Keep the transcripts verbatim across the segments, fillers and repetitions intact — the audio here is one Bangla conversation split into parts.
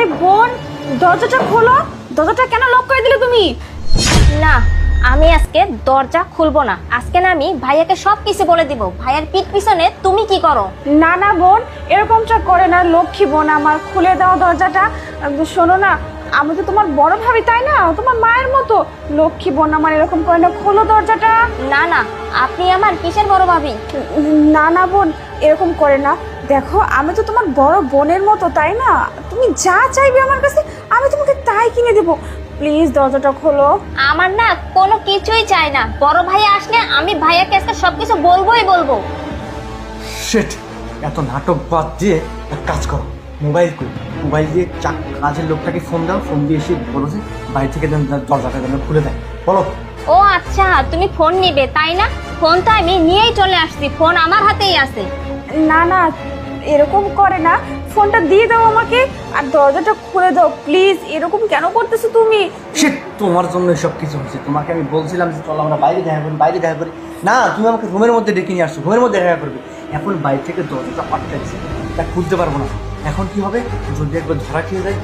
আরে বোন, দরজাটা খোলো। দরজাটা কেন লক করে দিলে তুমি? না, আমি আজকে দরজা খুলবো না। আজকে না আমি ভাইয়াকে সব কিছু বলে দিব। ভাইয়ার পিঠ পিছনে তুমি কি করো? না না বোন, এরকমটা করে না। লক্ষ্মী বোন আমার, খুলে দাও দরজাটা। শোনো না, আমি তো তোমার বড় ভাবি, তাই না? তোমার মায়ের মতো। লক্ষ্মী বোন আমার, এরকম করে না, খোলো দরজাটা। না না, আপনি আমার কিসের বড় ভাবি? না না বোন, এরকম করে না। দেখো, আমি তো তোমার বড় বোনের মতো, তাই না? তুমি যা চাইবে আমার কাছে, আমি তোমাকে তাই কিনে দেবো। প্লিজ দরজাটা খোলো। আমার না কোনো কিছুই চাই না। বড় ভাই আসলে আমি ভাইয়াকে আজকে সবকিছু বলবোই বলবো। শিট, এত নাটক বাদ দিয়ে এক কাজ করো, মোবাইল কই মোবাইল দিয়ে চাক কাজের লোকটাকে ফোন দাও, ফোন দিয়ে এসে বলো যে বাড়ি থেকে যেন দরজাটা যেন খুলে দেয়, বলো। ও আচ্ছা, তুমি ফোন নিবে তাই না? ফোন তো আমি নিয়েই চলে আসছি, ফোন আমার হাতেই আছে। না না, এরকম করে না। ফোনটা দিয়ে দাও আমাকে আর দরজাটা খুলে দাও প্লিজ। এরকম কেন করতেছো তুমি? শিট, তোমার জন্য সব কিছু হচ্ছে। তোমাকে আমি বলছিলাম যে চলো আমরা বাইরে দেখা করি, বাইরে দেখা করি। না, তুমি আমাকে রুমের মধ্যে ডেকে নিয়ে আসছো, রুমের মধ্যে দেখা করবে। এখন বাইরে থেকে দরজাটা আটকাইছে, তা খুলতে পারবো না। এখন কি হবে যদি একবার ধরা খেয়ে যায়?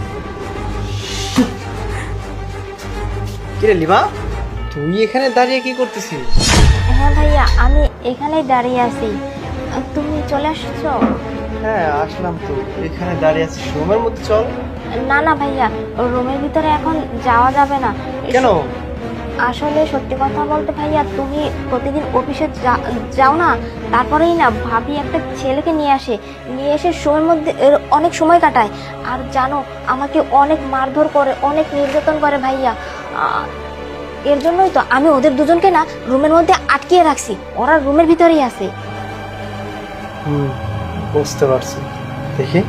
কিরে লিমা, তুই এখানে দাঁড়িয়ে কি করতেছিস? হ্যাঁ ভাইয়া, আমি এখানেই দাঁড়িয়ে আছি। তুমি চলে আসছো? হ্যাঁ আসলাম তো, এখানে দাঁড়িয়ে আছিস, রুমের মধ্যে চল। না না ভাইয়া, রুমের ভিতরে এখন যাওয়া যাবে না। কেন? আসলে সত্যি কথা বলতে ভাইয়া, তুমি প্রতিদিন অফিসে যা- যাও না, তারপরেই না ভাবি একটা ছেলেকে নিয়ে আসে, নিয়ে এসে সময়ের মধ্যে এর অনেক সময় কাটায়। আর জানো, আমাকে অনেক মারধর করে, অনেক নির্যাতন করে ভাইয়া। আহ, এর জন্যই তো আমি ওদের দুজনকে না রুমের মধ্যে আটকিয়ে রাখছি। ওরা রুমের ভিতরেই আছে। হুম, বুঝতে পারছি। দেখি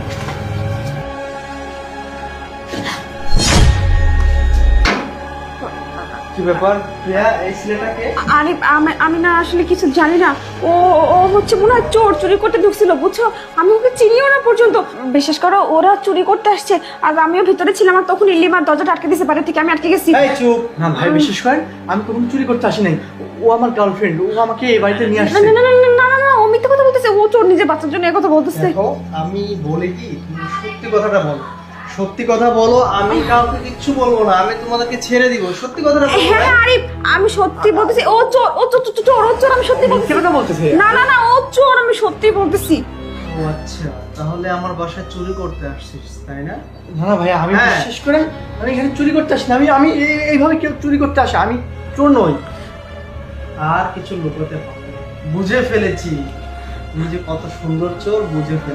কি ব্যাপার প্রিয়া, এই ছেলেটাকে? আরে আমি আমি না আসলে কিছু জানি না। ও ও হচ্ছে মনে হয় চোর, চুরি করতে ঢুকছিল, বুঝছো? আমি ওকে চিনিও না পর্যন্ত। বিশেষ করো ওরা চুরি করতে আসছে আর আমিও ভিতরে ছিলাম, আর তখন ইলিমার দরজাটা আটকে দিয়েছে, বাইরে থেকে আমি আটকে গেছি। এই চুপ না ভাই, বিশেষ করেন আমি কখনো চুরি করতে আসি নাই। ও আমার গার্লফ্রেন্ড, ও আমাকে এই বাড়িতে নিয়ে না আসছে। না না না না না না, ও মিথ্যা কথা বলতেছে। ও চোর, নিজের বাচ্চার জন্য এই কথা বলতেছে। দেখো, আমি বলি কি, তুমি সত্যি কথাটা বলো। সত্যি কথা বলো, আমি কাউকে কিচ্ছু বলবো না, আমি তোমাদেরকে ছেড়ে দিব। সত্যি কথাটা বলো। হ্যাঁ হ্যাঁ আরিফ, আমি সত্যি বলতেছি। ও চোর, ও চোর চোর, চোর, ও চোর, আমি সত্যি বলতেছি। মিথ্যে কথা বলতেছে? না না না, ও চোর, আমি সত্যি বলতেছি। ও আচ্ছা, তাহলে আমার বাসায় চুরি করতে আসছিস তাই না? না না ভাই, আমি হ্যাঁ। বিশেষ করেন আমি এখানে চুরি করতে আসি না। আমি আমি এই- এইভাবে কেউ চুরি করতে আসে, আমি চোর নই। আর কিছু লুকোতে পারবো না। বুঝে ফেলেছি তুমি যে কত সুন্দর চোর, বুঝে ফেলেছি।